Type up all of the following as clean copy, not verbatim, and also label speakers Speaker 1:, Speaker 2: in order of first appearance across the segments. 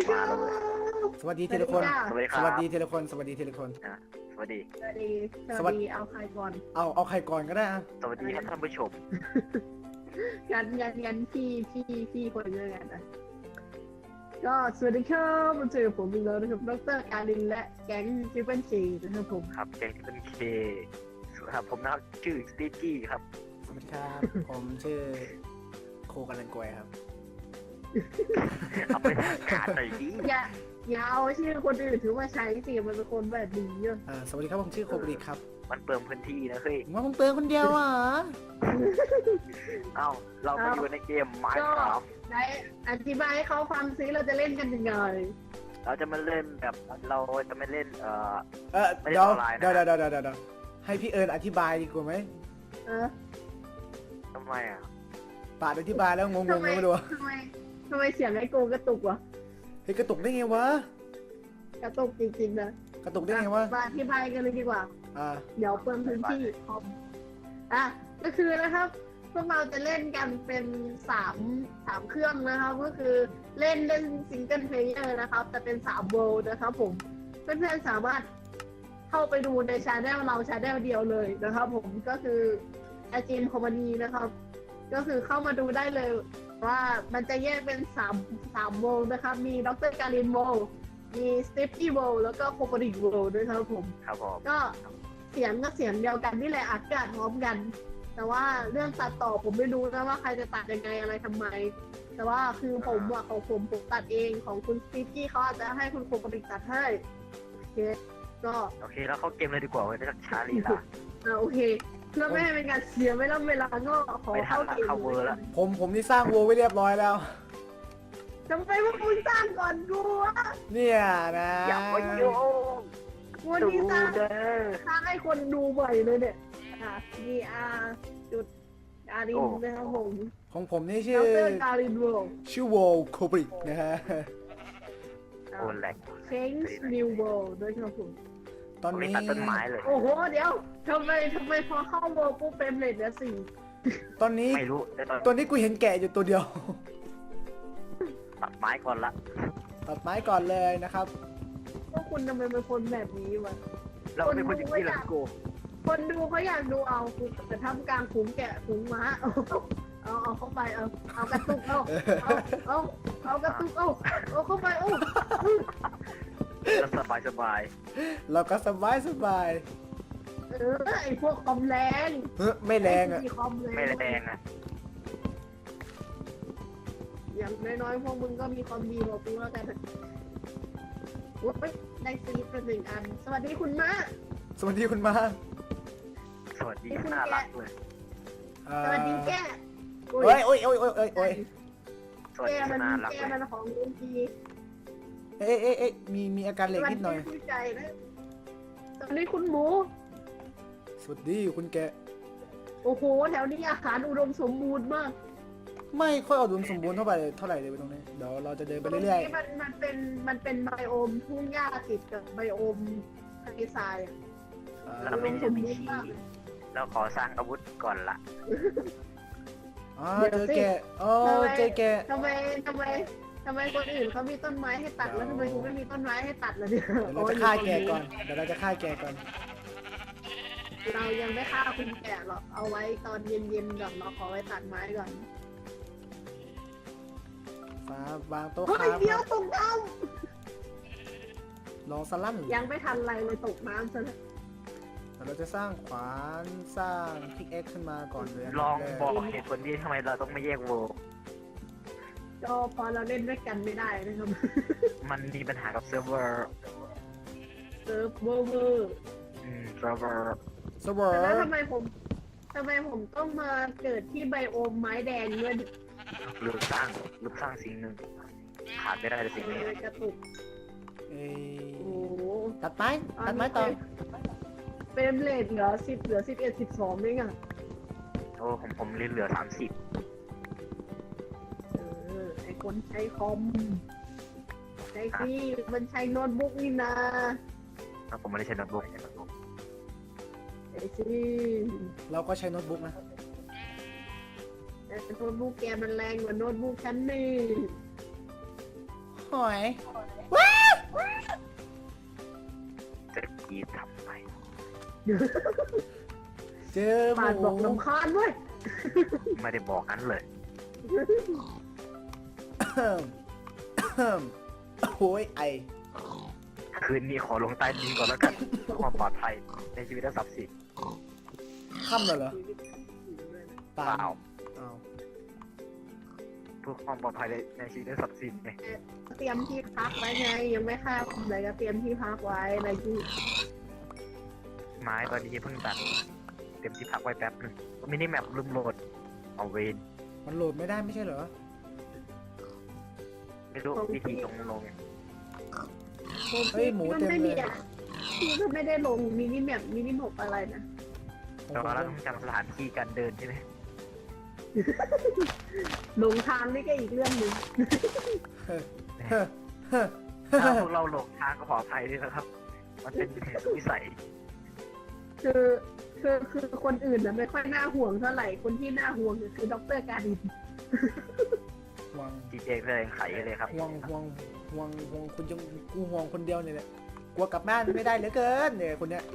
Speaker 1: มาแล้วเว้ย
Speaker 2: สวัสดีทีละคน
Speaker 1: สวัสดีค
Speaker 2: ส
Speaker 1: รับ
Speaker 2: วัสดีทีละคน สวัสดีทีละคน
Speaker 1: อ่ะสวัสดี
Speaker 3: สวัสดีสวัสดีเอาใครก่อน
Speaker 2: เอาใครก่อนก็ได้อะ
Speaker 1: สวัสดีครับท่านผู้ชม
Speaker 3: งั้นพี่คนเดียวกันนะก็สวัสดีครับมาเจอผมอีกแล้วนะครับดรการินและแก๊งจิปเปิลซีนะครับผม
Speaker 1: ครับแกงที่เป็นเคครับผมนะครับชื่อสตีกี้ครับ
Speaker 2: สวัสดีครับ ผมชื่อโคกันลันกวยครับ
Speaker 1: เอาไปทางการหน่อยดิ
Speaker 3: อย่าเอาชื่อคนอื่นถือว่าใช้สิมันเป็นคนแบบนี้เยอะ
Speaker 2: สวัสดีครับ ผมชื่อโคบริครับ
Speaker 1: มันเปลืองพื้นที่นะเฮ้ย
Speaker 2: ผมว่าผมเตือนคนเดียวอ่ะ
Speaker 1: เอ้าเราไปอยู่ในเกมไม
Speaker 3: ก็
Speaker 1: ค์ครับ
Speaker 3: ได้อธิบายให้เขาฟังซิเราจะเล่นกันยังไง
Speaker 1: เราจะมาเล่นแบบเราจะไม่เล่นไม่ได้
Speaker 2: เดี๋ยว
Speaker 1: ออนไลน์นะ
Speaker 2: เดี๋ยวให้พี่เอิญอธิบายดีกว่าไหม
Speaker 3: เออ
Speaker 1: ทำไมอ่ะ
Speaker 2: ปาดอธิบายแล้วงงๆไม่รู้
Speaker 3: ทำไมเสียงไอ้โกกระตุกวะ
Speaker 2: เฮ้ยกระตุกได้ไงวะ
Speaker 3: กระตุกจริงๆนะ
Speaker 2: กระตุกได้ไงวะ
Speaker 3: มาอธิบายกันเลยดีกว่า
Speaker 2: อ่า
Speaker 3: เดี๋ยวเพิ่มพื้นที่คอมก็คือนะครับพวกเราจะเล่นกันเป็นสามเครื่องนะครับก็คือเล่นซิงเกิลเพลเยอร์นะครับแต่เป็น3เวิลด์นะครับผมเพื่อนๆสามารถเข้าไปดูในชาแนลเราชาแนลเดียวเลยนะครับผมก็คืออาจินคอมมานีนะครับก็คือเข้ามาดูได้เลยว่ามันจะแยกเป็น3เวิลด์นะครับมีดรการินเวิลด์มีสตีฟอี้เวิลด์แล้วก็โคปริกเวิลด์ด้วยครับผม
Speaker 1: ครับผม
Speaker 3: ก็เสียงก็เสียงเดียวกันนี่แหละอัดกันพร้อมกัน แต่ว่าเรื่องตัดต่อผมไม่รู้นะว่าใครจะตัดยังไงอะไรทำไม แต่ว่าคือผมอะของผมตัดเองของคุณสตีฟกี้เขาอาจจะให้คุณโคปริกตัดให้โอเคก็
Speaker 1: โอเคแล้วเข้าเกมเลยดีกว่าเว้ยจะช้าลีลา
Speaker 3: โอเคเพื่อไม่ให้เป็นการเสียเวลาก็ขอเข้าเกม
Speaker 1: เข้าเวอร์ละ
Speaker 2: ผมนี่สร้างวัวไว้เรียบร้อยแล้ว
Speaker 3: ทำไมว่าคุณสร้างก่อนกูวะ
Speaker 2: เนี่ยนะ
Speaker 1: อย่าไปโยง
Speaker 3: วัน
Speaker 1: ดู
Speaker 3: นี้สร้าง
Speaker 1: เด้อ
Speaker 3: ให้คนดูบ่อยเลยเนี่ยVR จุดการินนะครับผม
Speaker 2: ของผมนี่
Speaker 3: ด
Speaker 2: ชื่อ
Speaker 3: รการินเวิลด์
Speaker 2: ชื่อโวโคบรินะฮะ
Speaker 1: โอ้แหลก
Speaker 3: Change New World ด้วยครับผม
Speaker 2: ตอน
Speaker 1: ไม่
Speaker 2: นี้
Speaker 1: ตัดต้นไม้เลย
Speaker 3: โอ้โห เดี๋ยวทำไมพอเข้า World ปุ๊บเป็นเลทเหลือสี่
Speaker 2: ตอนนี้
Speaker 1: ไม่รู้แต่ตอน
Speaker 2: ตัวนี้กูเห็นแกะอยู่ตัวเดียว
Speaker 1: ตัดไม้ก่อนละ
Speaker 2: ตัดไม้ก่อนเลยนะครับ
Speaker 3: พวกคุณทำไมเป็นคนแบบนี้วะ
Speaker 1: เราเป็นคนอย่างนี้เหรอโก
Speaker 3: คนดูเขาอยากดูเอาคุณแต่ทำกลางขุมแกะขุมม้าเอาเข้าไปเอากระตุกเอากระตุกเอาเข้าไป
Speaker 1: แล้วสบาย
Speaker 2: เราก็สบาย
Speaker 3: ไอพวกคอมแรง
Speaker 2: ไม่แรงอ่ะ
Speaker 3: ไอ้ที่คอมแรง
Speaker 1: ไม่แรงอ่ะ
Speaker 3: อย่างน้อยๆพวกมึงก็มีความดีกว่ากูแล้วกันโอ้ยได้ซีดเป็น1 อัน สวัสดีคุณม้า
Speaker 2: สวัสดีคุณมา
Speaker 1: สวัสดีน่ารักเลย
Speaker 3: สวัสดีแก
Speaker 2: โอ้ยโอ้ยโอ้ยโอ้ยโอ้ยโอ้ย
Speaker 1: สวัส
Speaker 3: แก
Speaker 1: ดี
Speaker 3: มัน
Speaker 1: น่ารัก
Speaker 3: แก
Speaker 1: เลย
Speaker 3: มันของลุงที
Speaker 2: เอ๊ะมีอาการเหล็กนิดหน่อย
Speaker 3: สวัสดีใจนะสวัสดีคุณหมู
Speaker 2: สวัสดีคุณแกะ
Speaker 3: โอ้โห แถวนี้อาหารอุดมสมบูรณ์มาก
Speaker 2: ไม่ค่อยเอาดุลสมบูรณ์เท่าไหร่เลยไปตรงนี้เดี๋ยวเราจะเดินไป
Speaker 3: ตรง
Speaker 2: เรื่อย
Speaker 3: นี้มันเป็นไบโอมทุ่งหญ้าติดกับไบโอมทะเลทรายอะ
Speaker 2: ๆ
Speaker 1: เราไม่ได้มีที่เราขอสร้างอาวุธก่อนละ
Speaker 2: เจอแกะอ๋อเจอแกะ
Speaker 3: ทำไมคนอื่นเขามีต้นไม้ให้ตัดแล้วทำไมกูไม่มีต้นไม้ให้ตัดล่ะเนี่ย
Speaker 2: เดี๋ยวเราจะฆ่าแกะก่อนเดี๋ยวเราจะฆ่าแกะก่อน
Speaker 3: เรายังไม่ฆ่าคุณแกะหรอกเอาไว้ตอนเย็นๆก่อนเราขอไว้ตัดไม้ก่อน
Speaker 2: ฟ้าวางโต๊ะ
Speaker 3: เฮ้
Speaker 2: ค
Speaker 3: ย
Speaker 2: รับ
Speaker 3: เดี๋ยวตกน้
Speaker 2: ลองสลั่น
Speaker 3: ำยังไม่ทันไรเลยตกน้ำซะแล้ว
Speaker 2: เดี๋ยวเราจะสร้างขวานสร้างพิกเอ็กขึ้นมาก่อนเลย
Speaker 1: ลอง
Speaker 2: นดั
Speaker 1: บ
Speaker 2: แร
Speaker 1: อกเหตุผลที่ทำไมเราต้องไม่แยกโว
Speaker 3: ก็พอเราเล่นด้วยกันไม่ได้นะครับ
Speaker 1: มันมีปัญหากับเซิร์ฟเวอร์
Speaker 3: เซิร์ฟเวอร์
Speaker 1: เซิร์ฟเวอร์
Speaker 2: สเวอ
Speaker 3: แต่แล้ว
Speaker 2: ร์
Speaker 3: ทำไมผมต้องมาเกิดที่ไบโอมไม้แดงด้วย
Speaker 1: หรือสร้างสิ่งหนึ่งขาดไม่ได้เลยสิ่งนี้
Speaker 3: กระตุก
Speaker 2: เอ้ย
Speaker 3: โอ้โห
Speaker 2: ตัดไม้ต่อ
Speaker 3: เป็นเลทเหลือ10เหลือ11 12เองอ่ะ
Speaker 1: โอ้ผมเหลือ30
Speaker 3: ไอคนใช้คอมใช้ที่มันใช้โน้ตบุ๊กนี่นะ
Speaker 1: แล้วผมไม่ได้ใช้โน้ตบุ๊ก
Speaker 3: ไอซี่
Speaker 2: เราก็ใช้โน้ตบุ๊กนะ
Speaker 3: แต่โน้ตบุ๊กแกมันแรงกว่าโน้ตบุ๊กฉันนี่
Speaker 2: หอย
Speaker 1: ทีทำไม
Speaker 2: เจอห
Speaker 3: ปาดบอก
Speaker 2: มู
Speaker 3: ลำคาญเว้ย
Speaker 1: ไม่ได้บอกนั้นเลย
Speaker 2: โอ้ยไอ
Speaker 1: คืนนี้ขอลงใต้ดินก่อนแล้วกันเพื่อความปลอดภัยในชีวิตและทรัพย์สิน
Speaker 2: ค่ำแล้วเหรอ
Speaker 1: เปล่า
Speaker 2: อ้าว
Speaker 1: เพื่อความปลอดภัยในชีวิตและทรัพย์สินไง
Speaker 3: เตรียมที่พักไว้ไงยังไม่ข้ามเลยก็เตรียมที่พักไว้อะไรที่
Speaker 1: ไม้ตอนนี้เพิ่งตัดเต็มที่พักไว้แป๊บนึงมินิแมปลืมโหลดเอาเวน
Speaker 2: มันโหลดไม่ได้ไม่ใช่เหรอ
Speaker 1: ไม่รู้วิธีลง
Speaker 2: เฮ้ยหมูเต็มเลย
Speaker 3: พี่ก็ไม่ได้ลงมินิแมปมินิมกอะไรนะ
Speaker 1: แต่ว่าเราต้องจำสถานที่การเดินใช่ไหม
Speaker 3: ลงทางนี่ก็อีกเรื่องหนึ่ง
Speaker 1: ถ้าพวกเราหลงทางก็ขออภัยด้วยนะครับ มันเป็นเหตุวิสัย
Speaker 3: คือคนอื่นนะไม่ค่อยน่าห่วงเท่าไหร่คนที่น่าห่วงคือดรการิน
Speaker 2: ห่วง
Speaker 1: จีเจแสดงไขเลยครับ
Speaker 2: ห่วงคุณยังกูห่วงคนเดียวเนี่ยแหละกลัวกลับบ้านไม่ได้เหลือเกินเนี่ยคนเนี้ย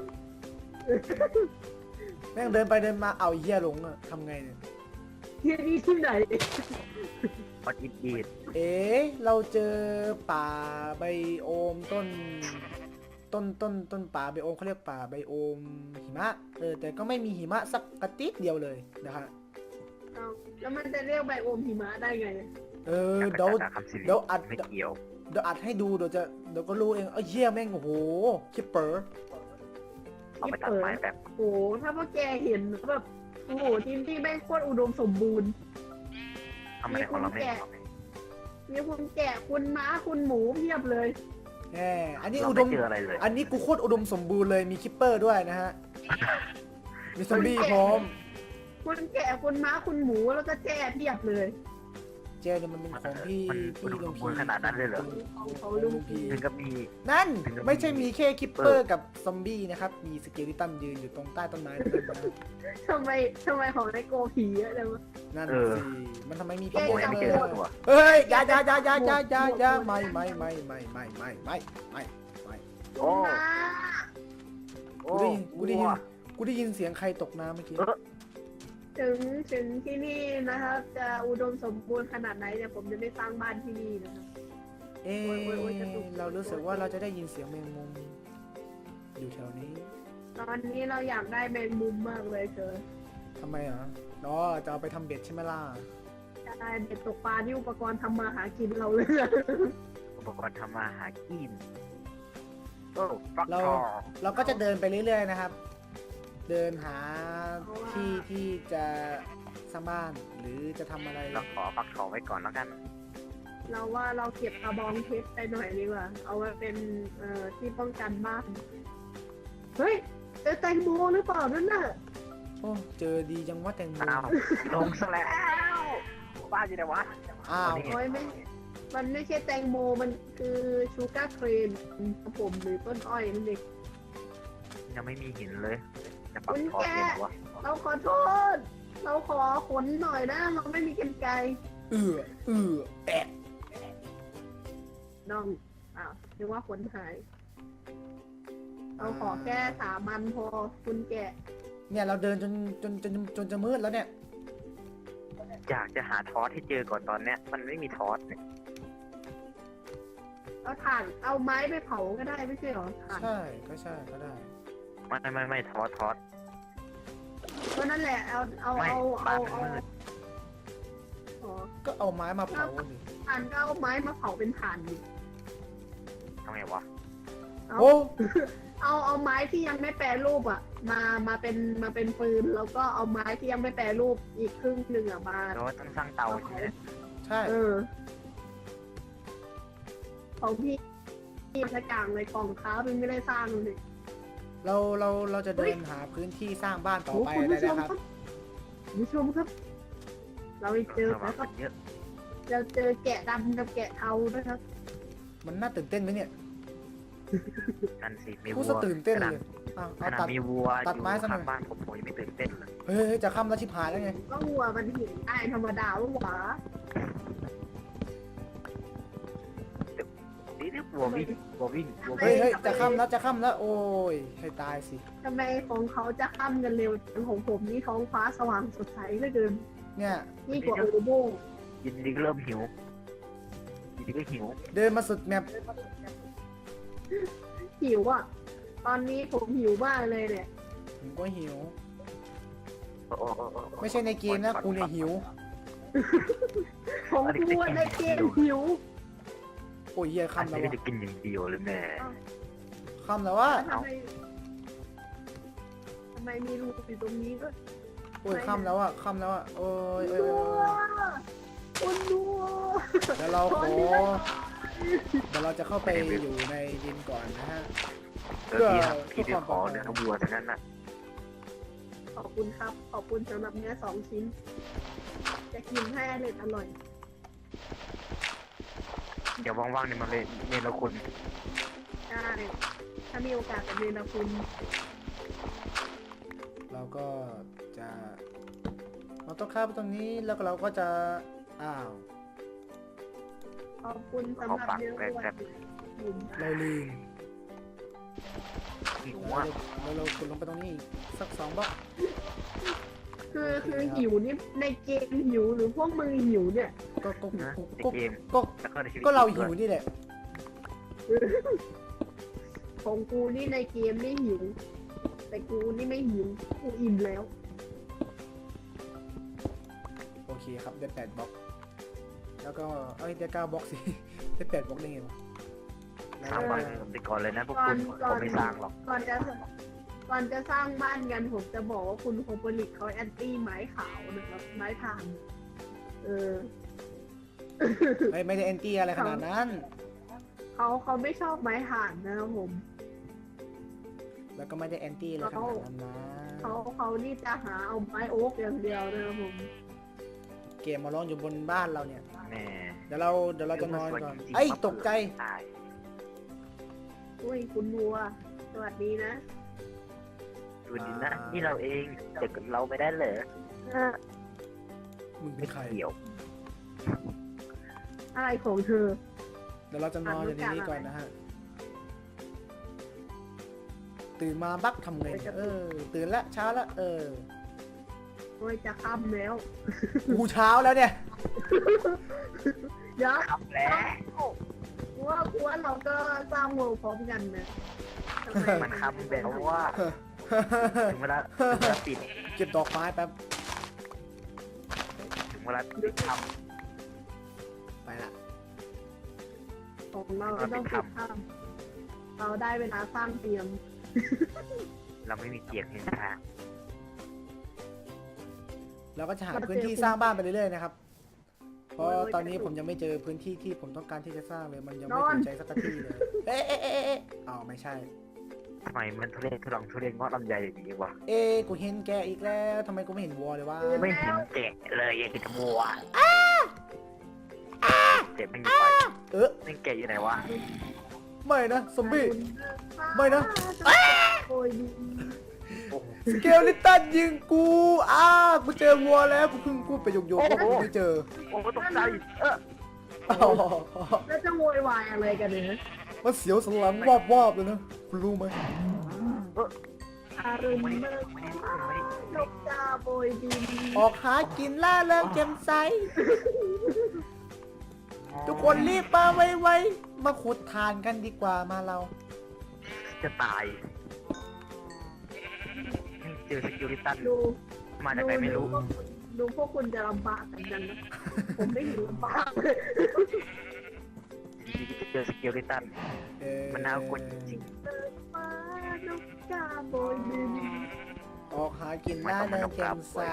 Speaker 2: แม่งเดินไปเดินมาเอาเหี้ยหลงอะทำไงเนี่ย
Speaker 3: ที่นี่ที่ไหน
Speaker 1: พอดอีด
Speaker 2: เอ๊ะเราเจอป่าไบโอมต้นป่าไบโอมเขาเรียกป่าไบโอมหิมะแต่ก็ไม่มีหิมะสักกระติดเดียวเลยนะฮะ
Speaker 3: เอาแล้วมันจะเรียกไบโอมหิมะได้ไง
Speaker 2: เดี๋ยวอัด
Speaker 1: ไม่เกี่ยว
Speaker 2: เดี๋ยวอัดให้ดูเดี๋ยวก็รู้เองเหี้ยแม่งโอ้โหคิปเปอร์
Speaker 1: เอาไปตัดไม้แบบ
Speaker 3: โอ้โหถ้าพวกแกเห็นแบบโอ้โหทีมที่แม่งโคตรอุดมสมบูรณ์
Speaker 1: ทำไมของเราไม่
Speaker 3: มีคุณแกะคุณม้าคุณหมูเพียบเลย
Speaker 2: อันนี้
Speaker 1: เรา
Speaker 2: อุด
Speaker 1: ไม่
Speaker 2: ม
Speaker 1: เจออะไรเลย
Speaker 2: อันนี้กูโคตรอุดมสมบูรณ์เลยมีคิปเปอร์ด้วยนะฮะมีซอมบี้พร้อม
Speaker 3: คุณแกะคุณม้าคุณหมูแล้วก็แจ้เพียบเลย
Speaker 2: เจเนี่ยมันเป็นของพี่
Speaker 1: มันอุดมสมบูรณ์ขนาดนั้นเลยเหรอ
Speaker 3: เขาลุงพี
Speaker 1: ถึงกับมี
Speaker 2: นั่นไม่ใช่มีแค่คิปเปอร์กับซอมบี้นะครับมีสเกลิตันยืนอยู่ตรงใต้ต้นไม้ด้วยนะ
Speaker 3: ทำไมของในโกผีเยอะเลยวะ
Speaker 2: นั่นสิมันทำไมมี
Speaker 1: ขโมยไม่เจอตัว
Speaker 2: เฮ้ยอย่าไม่
Speaker 1: โอ้
Speaker 3: ม้า
Speaker 1: โอ้
Speaker 2: กูได้ยินเสียงใครตกน้ำเมื่อกี้
Speaker 3: ถึงที่นี่นะครับ จะอุดมสมบูรณ์ขนาดไหนเนี่ยผมจะไม่สร้างบ้านที่นี่นะครับ
Speaker 2: เรารู้สึกว่าเราจะได้ยินเสียงแมงมุมอยู่แถวนี้
Speaker 3: ตอนนี้เราอยากได้แมงมุมมากเลยเธอ
Speaker 2: ทำไมอ่ะจะเอาไปทำเบ็ดใช่ไหมล่ะ
Speaker 3: จะได้เด็ดตกปลาที่อุปกรณ์ทำมาหากินเราเลย
Speaker 1: อุปกรณ์ทำมาหากินโอ้ฟัก
Speaker 2: เรา
Speaker 1: ทอง
Speaker 2: เราก็จะเดินไปเรื่อยๆนะครับ เดินหาที่จะสร้างบ้านหรือจะทำอะไร
Speaker 1: เราขอฟักทองไว้ก่อนแล้วกัน
Speaker 3: เราว่าเราเก็บกระบองเพชรไปหน่อยดีกว่า เอาไว้เป็นที่ป้องกันบ้าน เฮ้ยเจอแตงโมหรือเปล่านั่นน่ะ
Speaker 2: โอ้เจอดีจังว่าแตงโม
Speaker 1: อ้าวลงซะแล้วบ้าอยู่ไหนวะ
Speaker 2: อ้าว
Speaker 3: โอ้ยมันไม่ใช่แตงโมมันคือชูการ์เครนครับผมหรือต้นอ้อยนั่นเอง
Speaker 1: ยังไม่มีหินเลยจะปักทองเย็นวะ
Speaker 3: เราขอโทษ เราขอขนหน่อยนะเราไม่มีกรรไกร
Speaker 2: แอะ
Speaker 3: น้องอ้าวนึกว่าขนหายเราขอแค่3 อันพอคุณแกะ
Speaker 2: เนี่ยเราเดินจนจะมืดแล้วเนี่ย
Speaker 1: อยากจะหาทอสให้เจอก่อนตอนเนี้ยมันไม่มีทอสเนี่ย
Speaker 3: เอาถ่านเอาไม้ไปเผาก็ได้ไม่ใช่หรอถ่าน
Speaker 2: ใช่ก็ได้
Speaker 1: ไม่ทอส
Speaker 3: ก็นั่นแหละเอา
Speaker 1: ไม่
Speaker 3: เอา
Speaker 1: บ้า
Speaker 3: เอา
Speaker 1: นมันมืด
Speaker 3: อ๋อ
Speaker 2: ก็เอาไม้มาเผาดิ
Speaker 3: ถ่านก็เอาไม้มาเผาเป็นถ่านดิ
Speaker 1: ทำไงวะ
Speaker 2: โอ้
Speaker 3: เอาไม้ที่ยังไม่แปรรูปอ่ะ มาเป็นปืนแล้วก็เอาไม้ที่ยังไม่แปรรูปอีกครึ่งหนึ่งอ่ะมา
Speaker 1: เราต้องสร้างเตาใช่ไหม
Speaker 2: ใช่
Speaker 3: ของพี่สักอย่างเลยกล่องค้าเป็นไม่ได้สร้างเลย
Speaker 2: เราจะเดินหาพื้นที่สร้างบ้านต่อ
Speaker 3: โอ้
Speaker 2: ไป
Speaker 3: คุณ
Speaker 2: เลย
Speaker 3: ผู้ชม
Speaker 2: นะค
Speaker 3: ครับ รับคุณผู้ชมครับ เราไปเจอ
Speaker 1: สว่า
Speaker 3: แล้ว
Speaker 1: ง
Speaker 3: ครับ
Speaker 1: เยอะ
Speaker 3: เราเจอแกะดำกับแกะเทาด้วยครับ
Speaker 2: มันน่าตื่นเต้นไหมเนี่ย
Speaker 1: นั่นสิมี
Speaker 2: กู
Speaker 1: วั
Speaker 2: สะ
Speaker 1: ว
Speaker 2: ตื่นเต้นเลยอ้าว
Speaker 1: ข
Speaker 2: เอา
Speaker 1: นาด
Speaker 2: ตัด
Speaker 1: มีวัว
Speaker 2: ตัดไม้ซะหน่อย
Speaker 1: ข้างบ้านผมยังไม่ตื่นเต้นเลย
Speaker 2: เฮ้ยจะค่ำแล้วชิบหายแล้วไง
Speaker 3: ก็วัวมันเห็นได้ธรรมดาว่าหวา
Speaker 1: นี่บัววิ่งบัววิ่งบัว
Speaker 2: เฮ้
Speaker 1: วิ่
Speaker 2: ย
Speaker 1: ง
Speaker 2: เฮ้ยจะค่ำแล้วจะค่ำแล้วโอ้ยให้ตายสิ
Speaker 3: ทำไมของเขาจะค่ำกันเร็วของผมนี่ท้องฟ้าสว่างสดใสเหลือเกิน
Speaker 2: เนี่ย
Speaker 3: นี่กว่าโอโบ
Speaker 1: ยินดีก็เริ่มหิวยินดีก็หิว
Speaker 2: เดินมาสุดแมป
Speaker 3: หิวอ่ะ ตอนนี้ผมหิวมากเลยเนี่ย
Speaker 2: ผมก็หิว
Speaker 1: โอ้โห
Speaker 2: ไม่ใช่ในเกมนะกูเนี่ยหิว
Speaker 3: ของกูในเกมหิว
Speaker 2: โอ้ยเหี้ย
Speaker 1: อัน
Speaker 2: ค่ำแล้ว
Speaker 1: นี้
Speaker 2: วะ
Speaker 1: จะกินอย่างเดียวเลยแม่
Speaker 2: ค่ำแล้ววะ
Speaker 3: ทำไมมีรูอยู่ตรงนี้ด้วย
Speaker 2: โอ้ยค่ำแล้วอะค่ำแล้วอะโอ้ยเอ้ย
Speaker 3: ดู
Speaker 2: เอ้ย
Speaker 3: คุณดู
Speaker 2: เดี๋ยวเราขอเดี๋ยวเราจะเข้าไปอยู่ในดินก่อนนะฮะ
Speaker 1: เออพี่ไปขอเนื้อวัวทั้งนั้นน่ะ
Speaker 3: ขอบคุณครับ ขอบคุณสำหรับเนื้อ2 ชิ้น จะกินให้อร่อย
Speaker 1: เดี๋ยวว่างๆเนี่ยมาเลยเนรคุณ
Speaker 3: ได้ถ้ามีโอกาสกับเรียนนะคุณ
Speaker 2: เราก็จะเราต้องข้ามไปตรงนี้แล้วก็เราก็จะอ้าว
Speaker 3: ขอบคุณสำหรับเนื้อวัวผม
Speaker 2: เราลืม
Speaker 1: หิว
Speaker 2: เรา
Speaker 1: อ่ะ
Speaker 2: เรากดลงไปตรงนี้อีกสัก2 บล็อก
Speaker 3: คือหิวนี่ในเกมหิวหรือพวกมึงหิวเนี่ย
Speaker 2: ก็
Speaker 1: นะในเกม
Speaker 2: ก็
Speaker 1: แล้วก็ในชีวิต
Speaker 2: ก็เราหิวนี่แหละ
Speaker 3: ของกูนี่ในเกมนี่หิว แต่กูนี่ไม่หิว กูอิ่มแล้ว
Speaker 2: โอเคครับได้8 บล็อกแล้วก็เอ้ยได้9 บล็อกสิ ได้8 บล็อกได้ไงวะ
Speaker 1: สร้างบ้านผมไปก่อนเลยนะพวกคุณผมไม่สร้างหรอก
Speaker 3: ก่อนจะสร้างบ้านกันผมจะบอกว่าคุณโคโปลิกเขาแอนตี้ไม้ขาวนะครับ ไม้ถ่าน
Speaker 2: ไม่ได้แอนตี้อะไรขนาดนั้น
Speaker 3: เขาไม่ชอบไม้ถ่านนะครับผม
Speaker 2: แล้วก็ไม่ได้แอนตี้อะไรขนาดนั้นนะ
Speaker 3: เขานี่จะหาเอาไม้โอ๊กอย่างเดียวนะครับผม
Speaker 2: เกมมาร้องอยู่บนบ้านเราเนี่ย
Speaker 1: แม่
Speaker 2: เดี๋ยวเราจะนอนก่อนไอ้ยตกใจ
Speaker 1: ตาย
Speaker 3: อุ้ยคุณบัว สวัสดีนะ
Speaker 1: ดูดินะนี่เราเองเด็กเราไม่ได้เหรอ
Speaker 2: มึงเป็นใคร
Speaker 1: เกี่ยว
Speaker 3: อะไรของเธอ
Speaker 2: เดี๋ยวเราจะนอนอยู่ในนี้ก่อนนะฮะ ตื่นมาบักทำไงเนี่ยตื่นละเช้าละ
Speaker 3: โอ้ยจะค่ำแล้ว
Speaker 2: กูเช้าแล้วเนี่ย
Speaker 3: เดี๋ยว
Speaker 1: ขับแล้ว
Speaker 3: ว่าเราก็สร้างโลกพร้อมกันนะทำไม
Speaker 1: มันคำแบบว่าถึงเวลาปิด
Speaker 2: เก็บดอกไม้แป๊บ
Speaker 1: ถึงเวลาปิดค
Speaker 2: ไปละ
Speaker 3: ของเราก็ต้องปิดค่ำเราได้เวลาสร้างเตียง
Speaker 1: ำเราไม่มีเกียรติในทาง
Speaker 2: เราก็จะหาพื้นที่สร้างบ้านไปเรื่อยๆนะครับ เพราะตอนนี้ผมยังไม่เจอพื้นที่ที่ผมต้องการที่จะสร้างเลย มันยังไม่ถูกใจสักทีเลย เอ๊ะอ้าวไม่ใช่
Speaker 1: ทำไมมันทุเรศทุลังทุเรศงอลำไยอย่างนี้วะ
Speaker 2: กูเห็นแกอีกแล้วทำไมกูไม่เห็นวัวเลยวะ
Speaker 1: ไม่เห็นแกะเลยยังกินบัวเจ็บไม่มีไฟไม่แกะอยู่ไหนวะ
Speaker 2: ไม่นะซอมบี้ ไม่นะ
Speaker 3: โอ้ยดี
Speaker 1: โอ้โห
Speaker 2: สเกลลิตันยิงกูกูเจอวัวแล้วกูเพิ่งพูดไปโยกๆว่ากูไม่เจอ
Speaker 1: โอ้โหตกใจ
Speaker 2: อ๋อ
Speaker 3: แล้วจะโวยวายอะไรกันเนี่ย
Speaker 2: มันเสียวสันหลังวาบๆเลยนะคุณรู้ไหม
Speaker 3: อารุณเมื่อนกกาโบยบิน
Speaker 2: ออกหากินล่าเริงแจ่มใสทุกคนรีบมาไวๆมาขุดทานกันดีกว่ามาเรา
Speaker 1: จะตายเจอสกิลลิตัน
Speaker 3: ดู
Speaker 1: มาจากไหนไม่รู้
Speaker 3: ดูพวกคุณจะลำบากกันจังนะ ผมไม่เห็นลำบากเลย
Speaker 1: เจอสกิลลิตันมันน่ากลัวจริง
Speaker 3: ฟ้านกกาโบยบิน
Speaker 2: ออกหากินล่าเริงแจ่มใส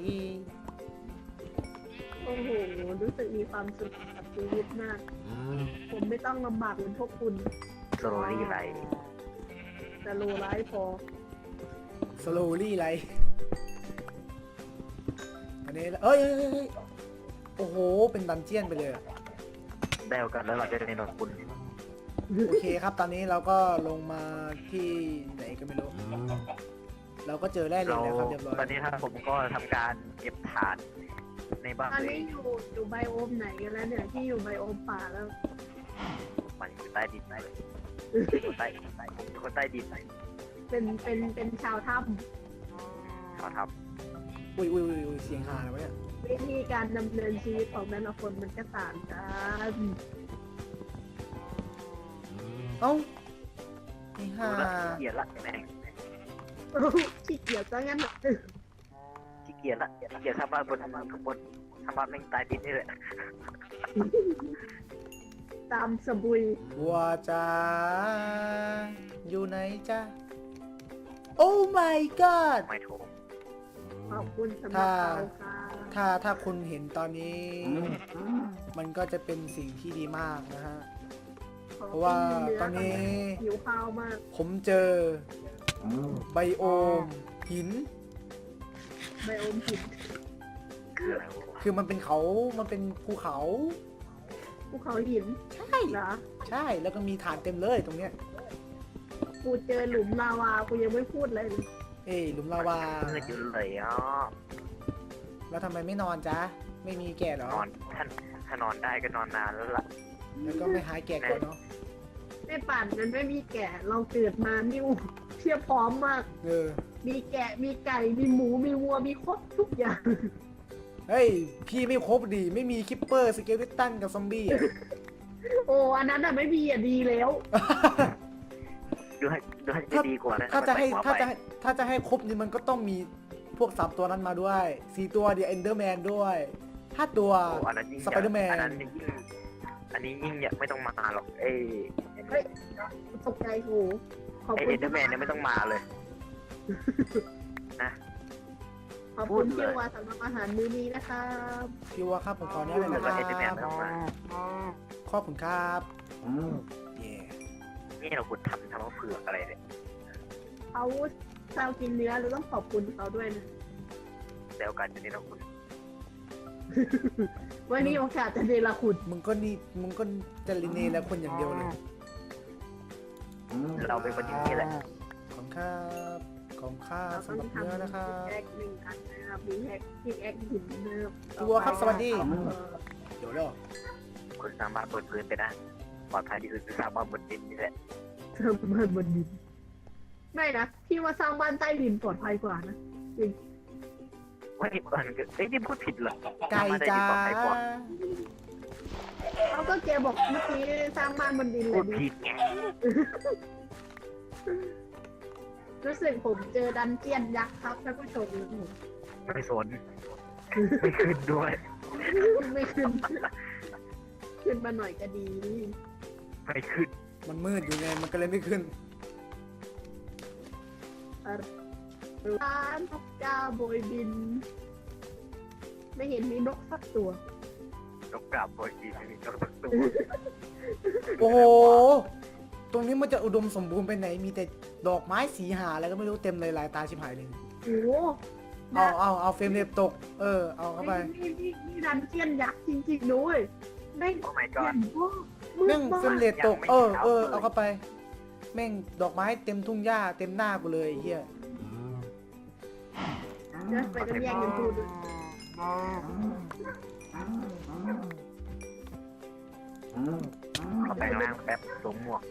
Speaker 3: โอ้โห รู้สึกมีความสุขกับชีวิตมาก ผมไม่ต้องลำบากเหมือนพวกคุณ
Speaker 1: ๆโซโลลี่ไร
Speaker 3: แต่โลร้ายพอ
Speaker 2: สโลลี่ไรอันนี้เอ้ยโอ้โหเป็นดันเจียนไปเลย
Speaker 1: ได้โอกาสแล้วเราจะได้นอนคุณ
Speaker 2: โอเคครับตอนนี้เราก็ลงมาที่ไหนก็ไม่รู้ เราก็เจอแร่เหล็กแล้วครับเรียบร้อย
Speaker 1: ตอนนี้ครับผมก็ทำการเก็บถ่านในบ้าน
Speaker 3: ตอน
Speaker 1: เลย
Speaker 3: นี้อยู่ไบโอมไหนกันแล้วเนี่ยที่อยู่ไบโอมป่าแล้ว
Speaker 1: ไปมันอยู่ใต้ดินคนใต้คนใต้ดิน
Speaker 3: เป็นชาวถ้
Speaker 1: เขาท
Speaker 2: อุ้ยเสียงหาแล้วะเนี่ย
Speaker 3: ำวิธีการดำเนินชีวิตของแต่ละคนมันก็ต่างกัน
Speaker 2: เอ้าไอ้
Speaker 1: ำ
Speaker 2: ห่า
Speaker 1: ดูละขี้เกียจละแม่ง
Speaker 3: ขี้เกียจซะงั้นน่ะ
Speaker 1: ขี้เกียจละขี้เกียจทำบ้านบนข้างบนทำบ้านแม่งใต้ดินนี่แหละ
Speaker 3: ตามสบุย
Speaker 2: บัวจ้าอยู่ไหนจ้าโอ้ my god
Speaker 1: ไม่ถูก
Speaker 3: ขอบคุณสำหรับเราค่ะ
Speaker 2: ถ้าคุณเห็นตอนนี้ มันก็จะเป็นสิ่งที่ดีมากนะฮะ เพราะว่าตอนนี้
Speaker 3: หิวข้าวมาก
Speaker 2: ผมเจอไบโอมหิน
Speaker 3: ไบโอมหิน
Speaker 1: คืออะไรวะ
Speaker 2: คือมันเป็นเขามันเป็นภูเขา
Speaker 3: ภูเขาหิน
Speaker 2: ใช่
Speaker 3: เหรอ
Speaker 2: ใช่แล้วก็มีฐานเต็มเลยตรงเนี้ย
Speaker 3: กูเจอหลุมลาวากูยังไม่พูดเลย
Speaker 2: เอ้ยหลุมลาวา
Speaker 1: เมื่ออยู่เลยอ๋อ
Speaker 2: แล้วทำไมไม่นอนจ๊ะไม่มีแก่เหรอน
Speaker 1: อนถ้านอนได้ก็นอนนานแล้วล่ะ
Speaker 2: แล้วก็ไม่หายแก่ก่อนเนาะ
Speaker 3: ไม่ป่านนั้นไม่มีแกะเราเกิดมานิ่วเพียบพร้อมมาก
Speaker 2: เออ
Speaker 3: มีแกะมีไก่มีหมูมีวัวมีครบทุกอย่าง
Speaker 2: เฮ้ยพี่ไม่ครบดีไม่มีคิปเปอร์สเกลเลตันกับซอมบี้อะ
Speaker 3: โอ้อันนั้นอ่ะไม่มีอ่ะดีแล้ว
Speaker 1: ดูให้จะดีกว่านะ
Speaker 2: ถ้าจะให้
Speaker 1: มัน
Speaker 2: ถ้า
Speaker 1: ไป
Speaker 2: จะให้ถ้าจะให้ครบนี่มันก็ต้องมีพวก3ตัวนั้นมาด้วย4ตัวเดียวเอนเดอร์แมนด้วย5ตัว
Speaker 1: โอ้อันนั้นยิ่ง
Speaker 2: สไปเดอร์แมน
Speaker 1: อันนั้นยิ่งอันนี้ยิ่งอยากไม่ต้องมาหรอก
Speaker 3: เฮ้ยตกใจโหขอบ
Speaker 1: ไอ
Speaker 3: คุ
Speaker 1: เอ
Speaker 3: ณ
Speaker 1: เดอร์แมนเนี่ยไม่ต้องมาเลย
Speaker 3: ขอบคุณพี่วาสำหรับอาหารมื้อนี้นะครับ
Speaker 2: พี่ว่าครับผมขออนุญาตเลยนะค
Speaker 1: แล้
Speaker 2: รั
Speaker 1: วเอเดอร์แมน
Speaker 2: บ
Speaker 1: ไม่ต้องมา
Speaker 2: ขอบคุณครับเย่
Speaker 1: นี่เราขุดทำว่าเผือกอะไรเนี่ย
Speaker 3: เขาเรากินเนื้อเราต้องขอบคุณเขาด้วยนะ
Speaker 1: เดี๋ยวกันจะนี่เราขุด
Speaker 3: วันนี้โอกาสจะเดลคุณ
Speaker 2: มึงก็จะลิเนแล้วคนอย่างเดียวเลย
Speaker 1: เราเป็นคนอย่างนี้แหละ
Speaker 2: ของข้าของข้า
Speaker 3: เราต้อ
Speaker 2: สำ
Speaker 3: ง
Speaker 2: หรับ
Speaker 3: ทำ
Speaker 2: เนื้อนะครับ
Speaker 3: แอคหนึ่งอันนะครับมีแอคที่แอคหินเนิบ
Speaker 2: พี่วัวครับสวัสดีเดี๋ยวเด้อ
Speaker 1: คุณสามารถบนพื้นไปได้ปลอดภัยที่สุดคือสร้างบ้านบนดินนี่แหละ
Speaker 3: เพิ่มบ้านบนดินไม่นะพี่ว่าสร้างบ้านใต้ดินปลอดภัยกว่านะจริง
Speaker 1: ว่าที่ก่อนก็ที่พูดผิดเหรอ
Speaker 2: ไก่
Speaker 1: สร้งบ้นใต้
Speaker 2: จ้า
Speaker 1: ดินปลอดภัยกว่า
Speaker 3: เขาก็เกบอกเมื่อกี้สร้างบ้านบนดินเล
Speaker 1: พู
Speaker 3: ย
Speaker 1: ด
Speaker 3: ดิ
Speaker 1: ผิดไง
Speaker 3: รู้สึกผมเจอดันเจียนยักษ์ครับท่านผู้ชม
Speaker 1: ไม่สนไม่ขึ้นด้วย
Speaker 3: ไม่ขึ้น ขึ้นมาหน่อยก็ดี
Speaker 1: ไม่ขึ้น
Speaker 2: มันมืดอยู่ไงมันก็เลยไม่ขึ้น
Speaker 3: ร้านนกกาโบยบิน ไม่เห็นมีนกสักตัว
Speaker 1: นกกราบโบยดีมีนกสักตัว
Speaker 2: โอ้โหตรงนี้มันจะอุดมสมบูรณ์ไปไหนมีแต่ดอกไม้สีหาอะไรก็ไม่รู้เต็มเลยลายตาชิบหายเลย
Speaker 3: โอ้โห
Speaker 2: เอาเฟรมเรทตกเอาเข้าไป
Speaker 3: นี่ดันเจียนยักษ์จริงๆด้วยแม่ง
Speaker 1: โอ้ my
Speaker 3: เจีย
Speaker 1: god
Speaker 3: นโอ้มื
Speaker 2: แม่
Speaker 3: ด
Speaker 2: ง
Speaker 3: มา
Speaker 2: เฟรม
Speaker 3: ก
Speaker 2: เรทตก
Speaker 1: ยังไม่เห็นเลย
Speaker 2: เอาเข้าไปแม่งดอกไม้เต็มทุ่งหญ้าเต็มหน้ากูเลยไอ้เฮีย
Speaker 3: เดี๋ยวไปกันแย่งกันพูดด้วย
Speaker 1: เขาแปลงร่างแป๊บสวมหมวก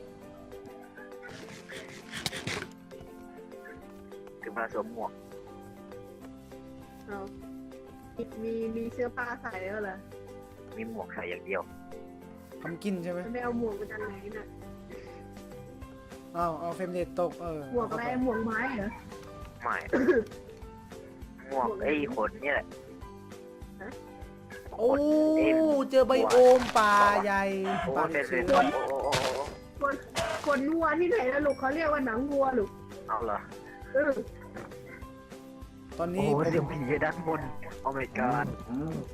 Speaker 1: ถึงเวลาสวมหมวก
Speaker 3: เอามีเสื้อผ้าใส่แล้วเหรอ
Speaker 1: มีหมวกใส่อย่างเดียว
Speaker 2: ทำกินใช่ไหม
Speaker 3: ไม่เอาหมวกมาจากไหนน่ะ
Speaker 2: เอาเฟรมเรทตก
Speaker 3: หมวกอะไรหมวกไม้เหรอ
Speaker 1: ไม่ หมวกไอ้ขนนี่แหละ
Speaker 2: โอ้เจอไบโอมป่าใหญ่
Speaker 1: โอ้
Speaker 2: ป่า
Speaker 1: เด็ด
Speaker 2: เชื้
Speaker 1: เลย
Speaker 2: อ
Speaker 3: คนวัวที่ไหนแล้วลูกเขาเรียกว่าหนังวัวลูก
Speaker 1: เอาเหรอ
Speaker 3: เออ
Speaker 2: ตอน
Speaker 1: โอ้
Speaker 2: นี้ผม
Speaker 1: เสียงผีด้านบน โอ้ my god โอ้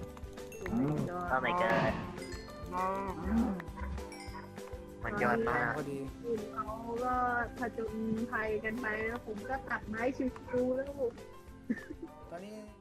Speaker 1: my god มันยอดมาก
Speaker 2: พอดี
Speaker 3: คุณเขาก็ผจญภัยกันไปแล้วผมก็ตัดไม้ชิวๆแล้ว
Speaker 2: ตอนนี้